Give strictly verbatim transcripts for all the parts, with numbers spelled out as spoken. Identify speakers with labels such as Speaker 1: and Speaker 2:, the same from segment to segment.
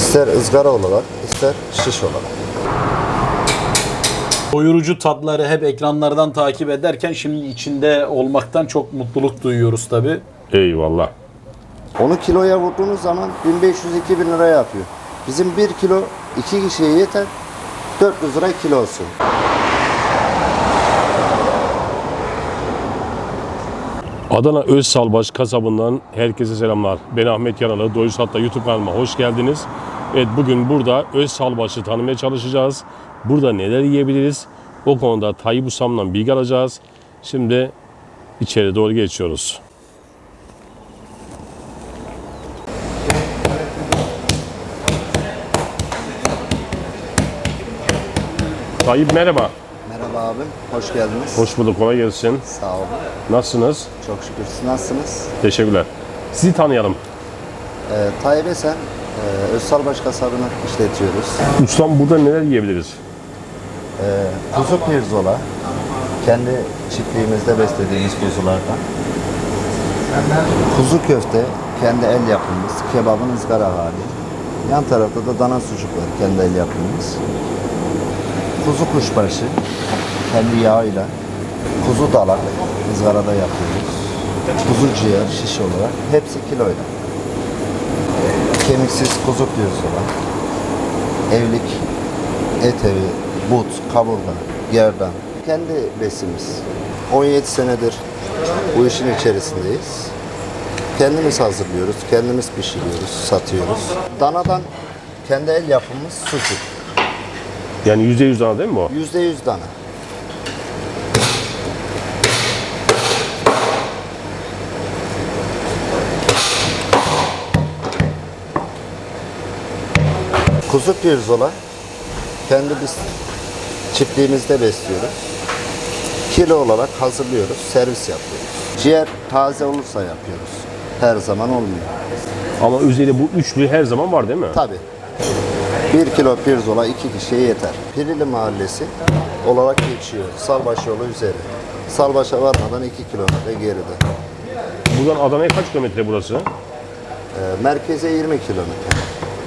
Speaker 1: İster ızgara olarak, ister şiş olarak.
Speaker 2: Doyurucu tatları hep ekranlardan takip ederken şimdi içinde olmaktan çok mutluluk duyuyoruz tabi.
Speaker 3: Eyvallah.
Speaker 1: Onu kiloya vurduğunuz zaman bin beş yüz iki bin lira yapıyor. Bizim bir kilo iki kişiye yeter, dört yüz lira kilosu.
Speaker 3: Adana Özsalbaş kasabından herkese selamlar. Ben Ahmet Yaralı. Doyuz Hatta YouTube kanalıma hoş geldiniz. Evet, bugün burada Özsalbaş'ı tanımaya çalışacağız. Burada neler yiyebiliriz? O konuda Tayyip Ustam'dan bilgi alacağız. Şimdi içeri doğru geçiyoruz. Tayyip merhaba.
Speaker 1: Merhaba abim, hoş geldiniz.
Speaker 3: Hoş bulduk, kolay gelsin.
Speaker 1: Sağ olun.
Speaker 3: Nasılsınız?
Speaker 1: Çok şükür. Siz nasılsınız?
Speaker 3: Teşekkürler. Sizi tanıyalım.
Speaker 1: Ee, Tayyip Esen, e, Özsalbaş kasabını işletiyoruz.
Speaker 3: Ustam, burada neler yiyebiliriz?
Speaker 1: Ee, kuzu pirzola, kendi çiftliğimizde beslediğimiz kuzulardan. Kuzu köfte, kendi el yapımımız, kebabın ızgara hali. Yan tarafta da dana sucuk var, kendi el yapımımız. Kuzu kuşbaşı, kendi yağıyla. Kuzu dalak, ızgarada yapıyoruz. Kuzu ciğer, şiş olarak, hepsi kiloyla. Kemiksiz kuzu pirzola, evlik, et evi, but, kaburga, gerdan. Kendi besimiz. on yedi senedir bu işin içerisindeyiz. Kendimiz hazırlıyoruz, kendimiz pişiriyoruz, satıyoruz. Danadan kendi el yapımımız sucuk.
Speaker 3: Yani yüzde yüz dana değil mi bu?
Speaker 1: Yüzde yüz dana. Kuzu pirzola kendi biz çiftliğimizde besliyoruz. Kilo olarak hazırlıyoruz, servis yapıyoruz. Ciğer taze olursa yapıyoruz. Her zaman olmuyor.
Speaker 3: Ama üzerinde bu üçlü her zaman var değil mi?
Speaker 1: Tabii. Bir kilo pirzola iki kişiye yeter. Pirili Mahallesi olarak geçiyor. Salbaş yolu üzeri. Salbaş'a varmadan iki kilometre geride.
Speaker 3: Buradan Adana'ya kaç kilometre burası?
Speaker 1: Ee, merkeze yirmi kilometre.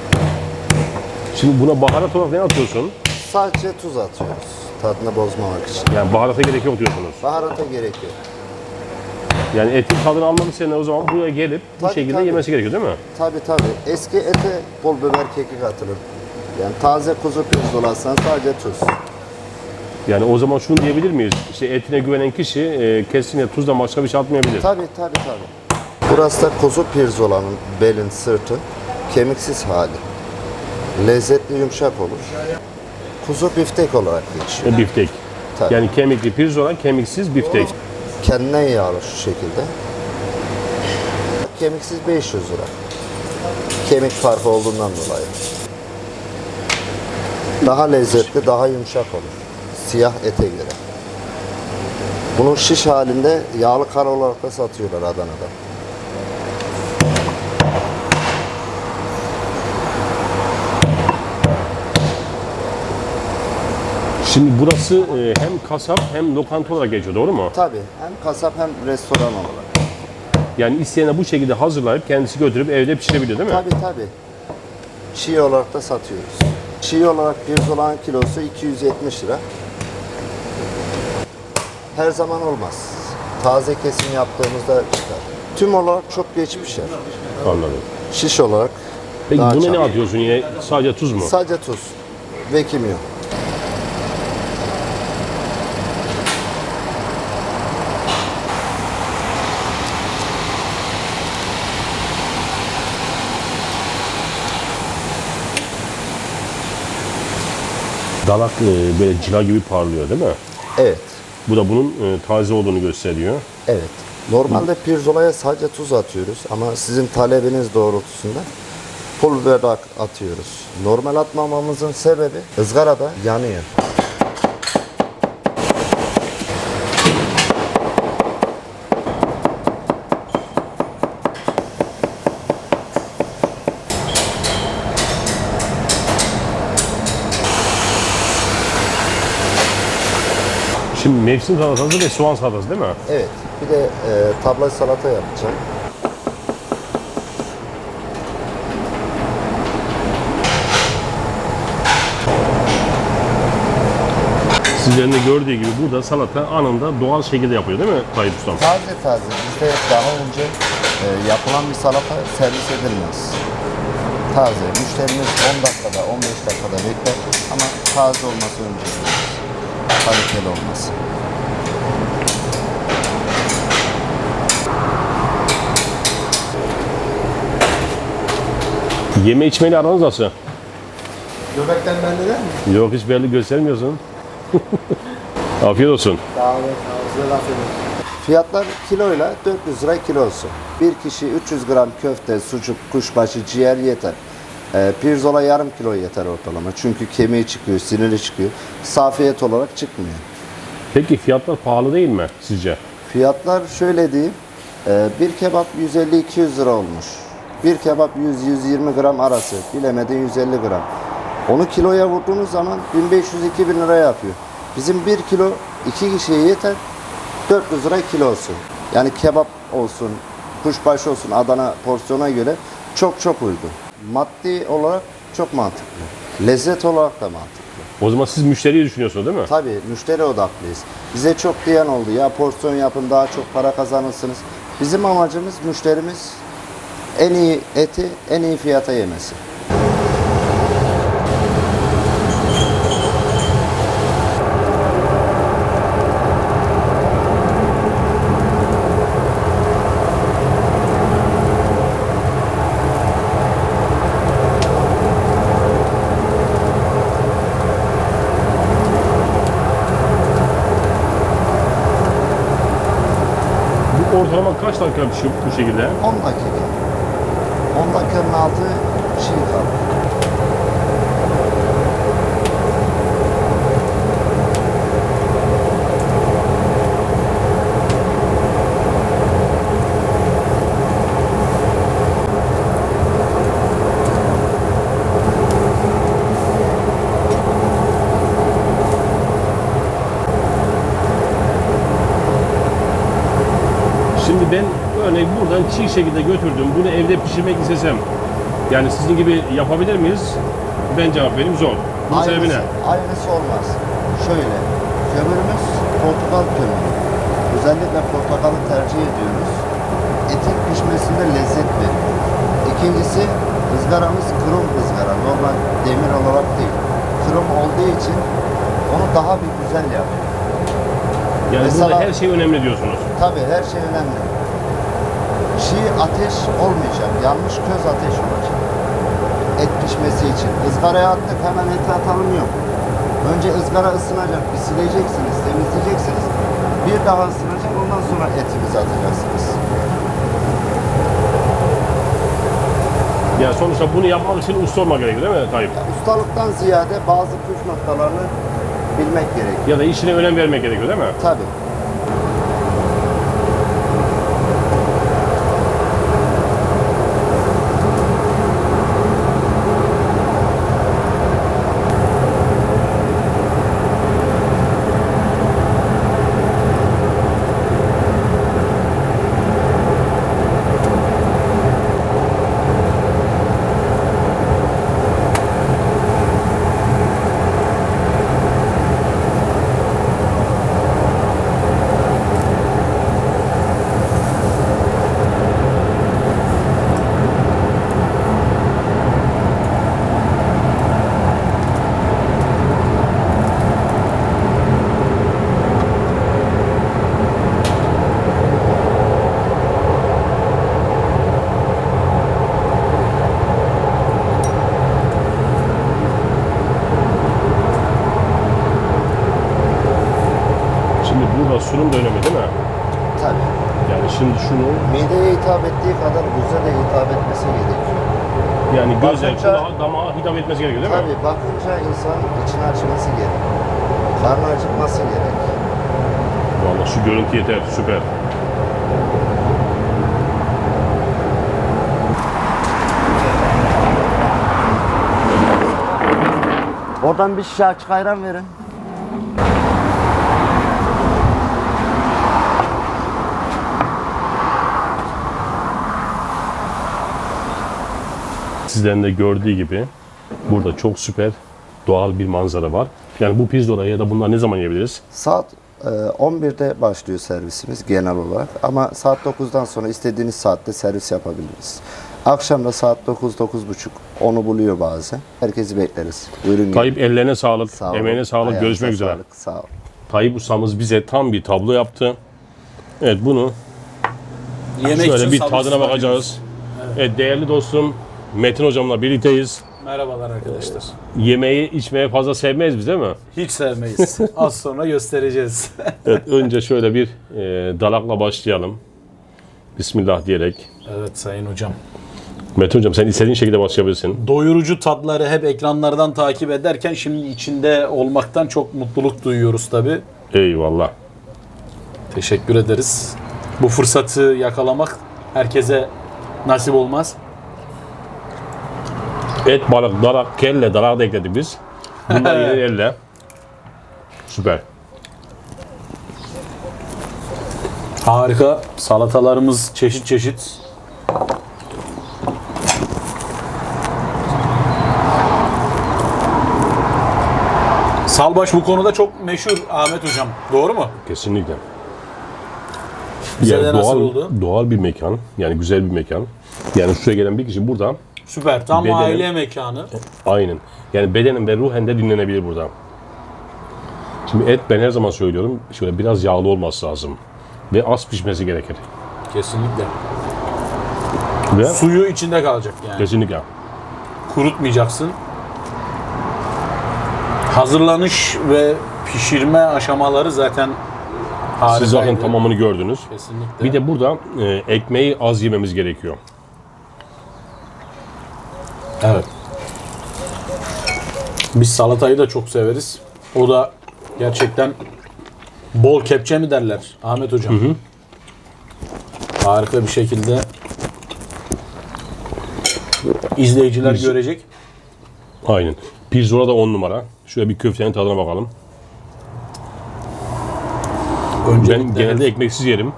Speaker 3: Şimdi buna baharat olarak ne atıyorsun?
Speaker 1: Sadece tuz atıyoruz. Tadını bozmamak için.
Speaker 3: Yani baharata gerek yok diyorsunuz.
Speaker 1: Baharata gerek yok.
Speaker 3: Yani etin tadını almak isteyenler o zaman buraya gelip bu
Speaker 1: Tabii,
Speaker 3: şekilde
Speaker 1: tabii.
Speaker 3: yemesi gerekiyor değil mi?
Speaker 1: Tabii tabii. Eski ete pul biber, kekik atılır. Yani taze kuzu pirzolasından sadece tuz.
Speaker 3: Yani o zaman şunu diyebilir miyiz? İşte etine güvenen kişi e, kesinlikle tuzdan başka bir şey atmayabilir.
Speaker 1: Tabii tabii tabii. Burası da kuzu pirzolanın belin, sırtı, kemiksiz hali. Lezzetli, yumuşak olur. Kuzu biftek olarak geçiyor.
Speaker 3: E, biftek.
Speaker 1: Tabii.
Speaker 3: Yani kemikli pirzola, kemiksiz biftek.
Speaker 1: Kendinden yağlı şu şekilde. Kemiksiz beş yüz lira. Kemik farkı olduğundan dolayı. Daha lezzetli, daha yumuşak olur. Siyah ete göre. Bunun şiş halinde yağlı kar olarak da satıyorlar Adana'da.
Speaker 3: Şimdi burası e, hem kasap hem lokanta olarak geçiyor, doğru mu?
Speaker 1: Tabii. Hem kasap hem restoran olarak.
Speaker 3: Yani isteyene bu şekilde hazırlayıp kendisi götürüp evde pişirebiliyor değil mi?
Speaker 1: Tabii tabii. Çiğ olarak da satıyoruz. Çiğ olarak pirzolanın kilosu iki yüz yetmiş lira. Her zaman olmaz. Taze kesim yaptığımızda çıkar. Tüm olarak çok geç pişer.
Speaker 3: Anladım.
Speaker 1: Şiş olarak
Speaker 3: Peki
Speaker 1: daha
Speaker 3: buna ne
Speaker 1: çabuk.
Speaker 3: atıyorsun yine? Sadece tuz mu?
Speaker 1: Sadece tuz ve kimyon.
Speaker 3: Dalak e, böyle cila gibi parlıyor değil mi?
Speaker 1: Evet.
Speaker 3: Bu da bunun e, taze olduğunu gösteriyor.
Speaker 1: Evet. Normalde pirzolaya sadece tuz atıyoruz ama sizin talebiniz doğrultusunda pul biber atıyoruz. Normal atmamamızın sebebi ızgarada yanıyor.
Speaker 3: Şimdi mevsim salatası ve soğan salatası değil mi?
Speaker 1: Evet. Bir de e, tabla salata yapacağım.
Speaker 3: Sizlerin de gördüğü gibi burada salata anında doğal şekilde yapıyor değil mi Tayyip Ustam?
Speaker 1: Taze taze. Bizde daha önce e, yapılan bir salata servis edilmez. Taze. Müşterimiz on dakikada, on beş dakikada bekler ama taze olması önceliğimiz. Kaliteli olması.
Speaker 3: Yeme içmeyle aranız nasıl?
Speaker 1: Göbekten bende de mi?
Speaker 3: Yok, hiç belli göstermiyorsun. Afiyet olsun.
Speaker 1: Sağ olun. Fiyatlar kiloyla dört yüz lira kilosu. Bir kişi üç yüz gram köfte, sucuk, kuşbaşı, ciğer yeter. E, pirzola yarım kilo yeter ortalama. Çünkü kemiği çıkıyor, siniri çıkıyor. Safiyet olarak çıkmıyor.
Speaker 3: Peki fiyatlar pahalı değil mi sizce?
Speaker 1: Fiyatlar şöyle diyeyim. e, bir kebap yüz elli iki yüz lira olmuş. Bir kebap yüz yüz yirmi gram arası. Bilemedin yüz elli gram. Onu kiloya vurduğunuz zaman bin beş yüz iki bin lira yapıyor. Bizim bir kilo iki kişiye yeter. dört yüz lira kilosu. Yani kebap olsun, kuşbaşı olsun Adana porsiyona göre çok çok uygun. Maddi olarak çok mantıklı. Lezzet olarak da mantıklı.
Speaker 3: O zaman siz müşteriyi düşünüyorsunuz değil mi?
Speaker 1: Tabii müşteri odaklıyız. Bize çok diyen oldu. Ya porsiyon yapın daha çok para kazanırsınız. Bizim amacımız müşterimiz en iyi eti en iyi fiyata yemesi.
Speaker 3: Bu ortalama kaç dakika pişiyor bu şekilde?
Speaker 1: on dakika. on dakikanın altı şey kaldı.
Speaker 3: Şimdi ben örneğin buradan çiğ şekilde götürdüm. Bunu evde pişirmek istesem, yani sizin gibi yapabilir miyiz? Ben cevap vereyim, zor. Bunun sebebi ne?
Speaker 1: Aynısı olmaz. Şöyle, kömürümüz portakal kömürü. Özellikle portakalı tercih ediyoruz. Etin pişmesinde lezzet veriyor. İkincisi, ızgaramız krom ızgara. Normal demir olarak değil. Krom olduğu için onu daha bir güzel yapıyor.
Speaker 3: Yani
Speaker 1: Mesela-
Speaker 3: burada her şey önemli diyorsunuz.
Speaker 1: Tabii her şey önemli. Çiğ ateş olmayacak. Yanmış köz ateş olacak. Et pişmesi için. Izgaraya attık hemen eti atalım yok. Önce ızgara ısınacak. Bir sileceksiniz, temizleyeceksiniz. Bir daha ısınacak. Ondan sonra etimizi atacaksınız.
Speaker 3: Yani sonuçta bunu yapmak için usta olmak gerekiyor değil mi Tayyip?
Speaker 1: Ustalıktan ziyade bazı püf noktalarını bilmek gerekiyor.
Speaker 3: Ya da işine önem vermek gerekiyor değil mi?
Speaker 1: Tabii.
Speaker 3: Şimdi burada sunum da önemli değil mi?
Speaker 1: Tabii.
Speaker 3: Yani şimdi şunu,
Speaker 1: Mideye hitap ettiği kadar göze de hitap etmesi gerekiyor.
Speaker 3: yani göze,
Speaker 1: Bakınca-
Speaker 3: kulağa, damağa hitap etmesi gerekiyor değil mi?
Speaker 1: Tabii bakınca insanın içini açması gerek. Karnı acıkması gerek.
Speaker 3: Vallahi şu görüntü yeter, süper.
Speaker 1: Oradan bir şişe açık ayran verin.
Speaker 3: Sizlerin de gördüğü gibi burada çok süper doğal bir manzara var. Yani bu pirzola ya da bunlar ne zaman yiyebiliriz?
Speaker 1: Saat e, on birde başlıyor servisimiz genel olarak. Ama saat dokuzdan sonra istediğiniz saatte servis yapabiliriz. Akşam da saat dokuz dokuz buçuk onu buluyor bazen. Herkesi bekleriz. Buyurun.
Speaker 3: Tayyip ellerine sağlık,
Speaker 1: Sağ olun.
Speaker 3: emeğine sağlık.
Speaker 1: Ayağınıza
Speaker 3: Görüşmek üzere.
Speaker 1: sağlık, sağ olun.
Speaker 3: Tayyip ustamız bize tam bir tablo yaptı. Evet, bunu
Speaker 2: Yemek
Speaker 3: şöyle
Speaker 2: için
Speaker 3: bir
Speaker 2: sabırsızlanıyoruz.
Speaker 3: tadına bakacağız. Evet, değerli dostum Metin hocamla birlikteyiz.
Speaker 2: Merhabalar arkadaşlar.
Speaker 3: Yemeği içmeye fazla sevmeyiz biz, değil mi?
Speaker 2: Hiç sevmeyiz. Az sonra göstereceğiz.
Speaker 3: Evet, önce şöyle bir e, dalakla başlayalım. Bismillah diyerek.
Speaker 2: Evet sayın hocam.
Speaker 3: Metin hocam, sen istediğin şekilde başlayabilirsin.
Speaker 2: Doyurucu tatları hep ekranlardan takip ederken şimdi içinde olmaktan çok mutluluk duyuyoruz tabi.
Speaker 3: Eyvallah.
Speaker 2: Teşekkür ederiz. Bu fırsatı yakalamak herkese nasip olmaz.
Speaker 3: Et, balık, dalak, kelle, dalak da ekledik biz. Bunlar yine elle. Süper.
Speaker 2: Harika. Salatalarımız çeşit çeşit. Salbaş bu konuda çok meşhur Ahmet hocam. Doğru mu?
Speaker 3: Kesinlikle.
Speaker 2: Bize
Speaker 3: Yani
Speaker 2: de nasıl
Speaker 3: doğal,
Speaker 2: oldu?
Speaker 3: doğal bir mekan. Yani güzel bir mekan. Yani şuraya gelen bir kişi burada
Speaker 2: Süper. Tam
Speaker 3: Bedenim-
Speaker 2: aile mekanı.
Speaker 3: aynen. Yani bedenen ve ruhen de dinlenebilir burada. Şimdi et, ben her zaman söylüyorum, şöyle biraz yağlı olması lazım. Ve az pişmesi gerekir.
Speaker 2: Kesinlikle.
Speaker 3: Ve
Speaker 2: Suyu içinde kalacak yani.
Speaker 3: kesinlikle.
Speaker 2: Kurutmayacaksın. Hazırlanış ve pişirme aşamaları zaten harikaydı.
Speaker 3: Siz zaten tamamını gördünüz.
Speaker 2: Kesinlikle.
Speaker 3: Bir de burada e, ekmeği az yememiz gerekiyor.
Speaker 2: Evet. Biz salatayı da çok severiz. O da gerçekten bol kepçe mi derler Ahmet hocam? Hı hı. Harika bir şekilde izleyiciler
Speaker 3: Biz-
Speaker 2: görecek.
Speaker 3: Aynen. Pirzola da on numara. Şöyle bir köftenin tadına bakalım.
Speaker 2: Öncelikle
Speaker 3: Ben genelde ekmeksiz yerim.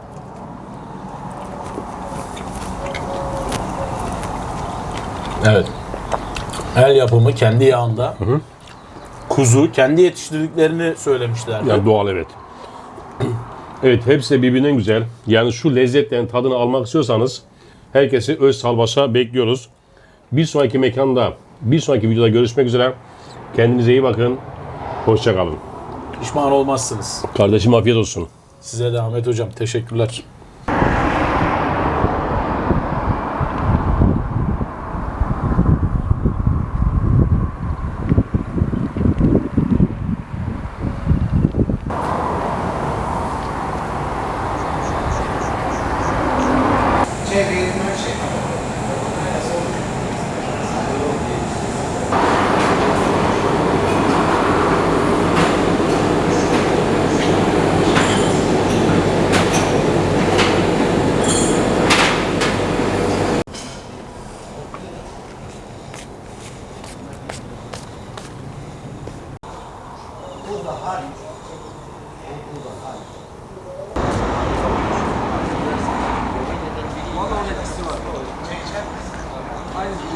Speaker 2: evet. El yapımı kendi yağında. Kuzu kendi yetiştirdiklerini söylemişlerdi.
Speaker 3: Yani doğal, evet. Evet, hepsi de birbirinden güzel. Yani şu lezzetlerin tadını almak istiyorsanız herkesi Öz Salbaş'a bekliyoruz. Bir sonraki mekanda, bir sonraki videoda görüşmek üzere. Kendinize iyi bakın. Hoşça kalın.
Speaker 2: Pişman olmazsınız.
Speaker 3: Kardeşim afiyet olsun.
Speaker 2: Size de Ahmet hocam teşekkürler.
Speaker 4: Aynı